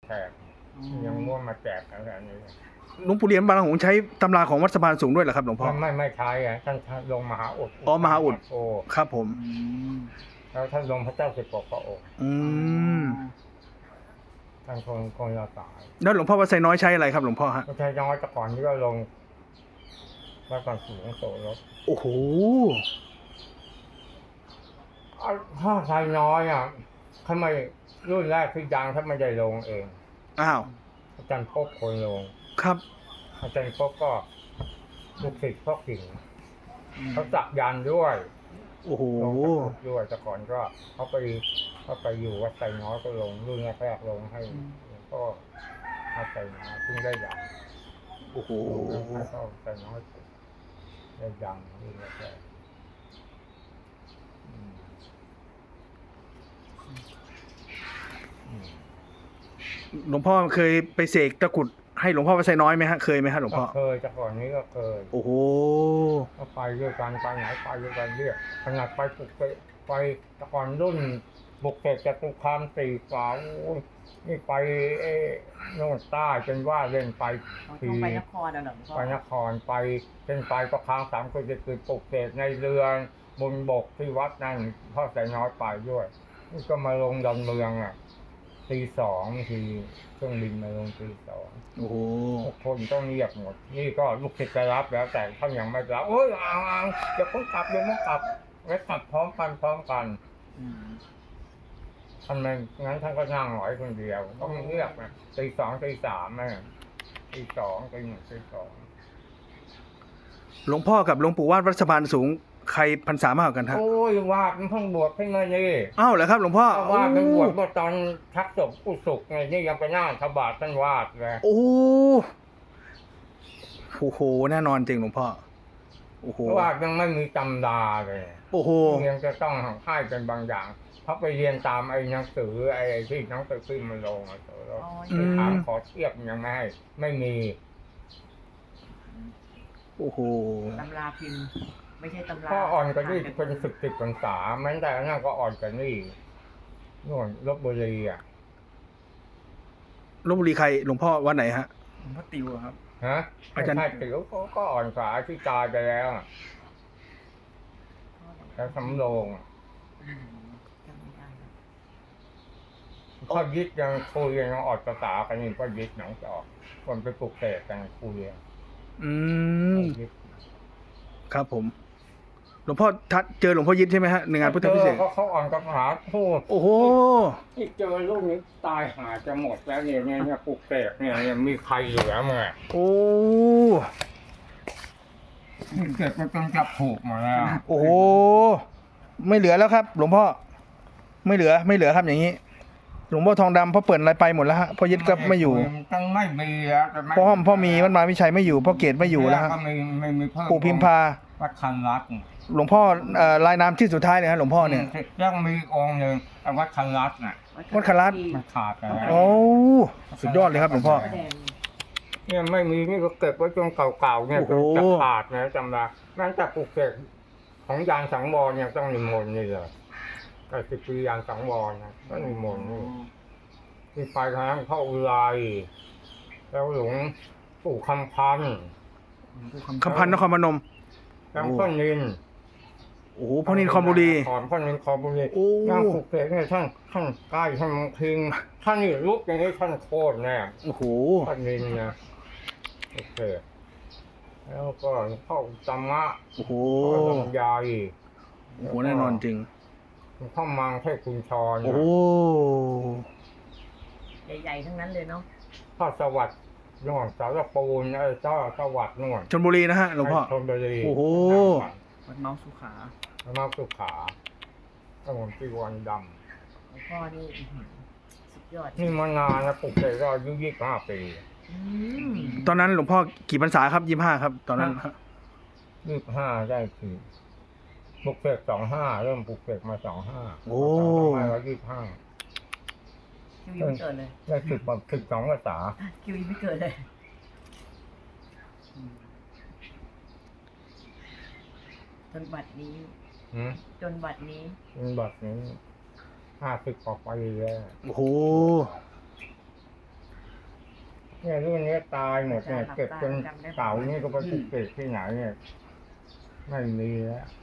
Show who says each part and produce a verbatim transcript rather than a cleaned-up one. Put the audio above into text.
Speaker 1: แจกยังม่วงมาแจกอะไรนี้
Speaker 2: หลวงปู่เหรียญบางหงใช้ตำราของวัดสะพานสูงด้วยเหรอครับหลวงพ่อ
Speaker 1: ไม่ไม่ใช้อ่ะท่านลงมหาอุด
Speaker 2: อ๋อมหาอุด
Speaker 1: โอ้
Speaker 2: ครับผม
Speaker 1: แล้วท่านลงพระเจ้าสิบหกพระองค์
Speaker 2: อืม
Speaker 1: ท่านคงคงจะตาย
Speaker 2: แล้วหลวงพ่อวัดไซน้อยใช้อะไรครับหลวงพ่อฮะ
Speaker 1: ไม่ใช่น้อยแต่ก่อนที่ก็ลงวัดก่อนสูงโสรถ
Speaker 2: โอ้โห
Speaker 1: ถ้าใช้น้อยอ่ะทำไมรุ่นแรกที่ดังถ้าไม่ได้ลงเอง
Speaker 2: อ้าว
Speaker 1: อาจารย์พบคนลง
Speaker 2: ครับ
Speaker 1: อาจารย์พบก็ลูกศิษย์พ่อกิ่งเขาจักยันด้วย
Speaker 2: โอ้โห
Speaker 1: ด้วยแต่ก่อนก็เขาไปเขาไปอยู่วัดไซน้อยก็ลงรุ่นแรกๆลงให้ก็วัดไซน้อยเพิ่งได้ยัง
Speaker 2: โอ้โห
Speaker 1: แล้วก็ไซน้อยได้ยังรุ่นแรก
Speaker 2: หลวงพ่อเคยไปเสกตะกุดให้หลวงพ่อวัดไซน้อยไหมฮะเคยไหมฮะหลวงพ่อ
Speaker 1: เคยแต่ก่อนนี้ก็เคย
Speaker 2: โอ้โห
Speaker 1: ก็ไปด้วยกันไปไหนไปด้วยกันเรียกขนาดไปปลุกไปไปแต่ก่อนรุ่นบุกเสกจตุคามสี่ฝานี่ไปเอ้โน่นใต้จนว่าเล่นไป
Speaker 3: ทีไปนครอ่ะหลวงพ่อ
Speaker 1: ไปนครไปเป็นไปก็ค้างสามคนจะคือปลุกเสกในเรือบนบกที่วัดนั่นพ่อใส่น้อยไปด้วยนี่ก็มาลงดอนเมืองอ่ะตีสองทีเครื่องบินมาลงตีสอง
Speaker 2: โอ้โห
Speaker 1: ทุกคนต้องเรียกหมดนี่ก็ลูกศิษย์จะรับแล้วแต่ท่านยังไม่รับโอ้ยอ่างจะเพิ่งกลับเดี๋ยวมันกลับไว้กลับพร้อมกันพร้อมกันท่านไม่งั้นท่านก็นั่งหน่อยคนเดียวต้องเรียกนะตีสองตีสามนะตีสองตีหนึ่งตีสอง
Speaker 2: หลวงพ่อกับหลวงปู่วาดวัดสะพานสูงใครพรรษามากกว่ากันฮะ
Speaker 1: โอ้ยวาดมันเพิ่งบวชเพิ่งมานี่
Speaker 2: อ้าวเหรอครับหลวงพ่อ
Speaker 1: วาดมันบวชเมื่อตอนทักศพอุสุกไงนี่ยังไปหน้าทบาทท่านวาดเลย
Speaker 2: โอ้โหแน่นอนจริงหลวงพ่อโอ้โห
Speaker 1: วาดยังไม่มีตำราเลย
Speaker 2: โอ้โห
Speaker 1: ยังจะต้องให้เป็นบางอย่างเขาไปเรียนตามไอ้หนังสือไอ้ที่หนังสือขึ้นมาลงอ่ะแล้วถามขอเทียบยังไม่ให้ไม่มี
Speaker 2: โอ้โห
Speaker 3: ตำราพิมพ์ไม่ใช่ตำรา
Speaker 1: พ่ออ่อนกันนี่เป็นสิบสิบพรรษาแม้แต่นั่นก็อ่อนกันนี่นู่นลบบุรีอ่ะ
Speaker 2: ลบบุรีใครหลวงพ่อวัดไหนฮะ
Speaker 4: หลวงพ่อติวครับ
Speaker 1: ฮะอาจารย์ติวก็อ่อนกว่าที่ตายไปแล้วแล้วสำโรงพ่อยึดยังคุยยังออดภาษากันนี่พ่อยึดหนังจะออกคนไปปลุกเสกกันคุย
Speaker 2: อืมครับผมหลวงพ่อทัดเจอหลวงพ่อยึดใช่ไหมฮะในงานพุทธพิเศษ
Speaker 1: เขาเขาอ่อนกับหาพูด
Speaker 2: โอ้โห
Speaker 1: ที่เจอลูกนี้ตายหาจะหมดแล้วเนี่ยเนี่ยปลุกเสกเนี่ยยังมีใครเหลือมั้ย
Speaker 2: โอ้
Speaker 1: เกิดมันต้องจับผูกมาแล้ว
Speaker 2: โอ้โหไม่เหลือแล้วครับหลวงพ่อไม่เหลือไม่เหลือครับอย่างนี้หลวงพ่อทองดำพ่อเปิดอะไรไปหมดแล้วฮะพ่อยึดก็ไม่อยู่
Speaker 1: ต้องไม่มีแล้ว
Speaker 2: พ่อห้อมพ่อมีวัดมาวิชัยไม่อยู่พ่อเกศไม่อยู่แล้วฮะปู่พิมพา
Speaker 1: วัดคันรัต
Speaker 2: หลวงพ่อลายน้ำที่สุดท้ายเลยฮะหลวงพ่อเนี่ย
Speaker 1: ยังมีองค์หนึ่งวัดคันรัตน่ะ
Speaker 2: วัดคันรัต
Speaker 1: มันขาดแล้ว
Speaker 2: โอ้สุดยอดเลยครับหลวงพ่อ
Speaker 1: เนี่ยไม่มีนี่ก็เก็บไว้จนเก่าๆเนี่ยจะขาดนะจำได้แม้แต่ปลุกเสกของยานสังวรเนี่ยต้องนิมนต์นี่เลยแต่สิบปียานสังวรนะต้องนิมนต์นี่ที่ไปทางเข้าอุไรแล้วหลวงปู่คำพันธ์
Speaker 2: คำพันธ์นครพนม
Speaker 1: แล้วพ่อนิน
Speaker 2: โอ้โหพ่อนินคอมบุรี
Speaker 1: ขอนพ่อนินคอมบุรีนั่งปลุกเสกเนี่ยท่านท่านใกล้ท่านพิงท่านนี่ลุกอย่างนี้ท่านโคตรแน่
Speaker 2: โอ้โห
Speaker 1: พ่อนินนะโอเคแล้วก็เข้าธรรมะ
Speaker 2: โอ้โห
Speaker 1: ใหญ่
Speaker 2: โอ้โหแน่นอนจริง
Speaker 1: เข้ามังเทพคุณชร
Speaker 2: โอ้
Speaker 3: ใหญ่ๆทั้งนั้นเลยเนาะ
Speaker 1: พ่อสวัสดิ์นวลสารปูนเออเจ้าสวัสดิ์นวล
Speaker 2: ชลบุรีนะฮะหลวงพ่อ
Speaker 1: ชลบุรี
Speaker 2: โอ้โห
Speaker 4: วัดเมาสุขา
Speaker 1: วัดเมาสุขาถนนจีวันด
Speaker 3: ำหลวงพ่อนี่สุดยอด
Speaker 1: นี่มานานนะปลุกเสกก็อายุยี่สิบห้าปี
Speaker 2: ตอนนั้นหลวงพ่อกี่พรรษาครับยี่สิบห้าครับตอนนั้น
Speaker 1: ยี่สิบห้าได้คือปลุกเสกสองห้าเริ่มปลุกเสกมาสองห้า
Speaker 2: โอ้
Speaker 1: ไม่ร้อยยี่สิบห้า
Speaker 3: คิวยังไม่เกิดเลย
Speaker 1: ได้สิบกว่าสิบสองภาษา
Speaker 3: คิวยังไม่เกิดเลยจนบัดนี้จนบัดนี้
Speaker 1: จนบัดนี้ห้าสิบกว่าปีแล้ว
Speaker 2: โอ้โห
Speaker 1: เนี่ยรุ่นนี้ตายหมดเนี่ยเก็บจนเก่านี่ก็ไปปลุกเสกที่ไหนเนี่ยไม่มีแล้ว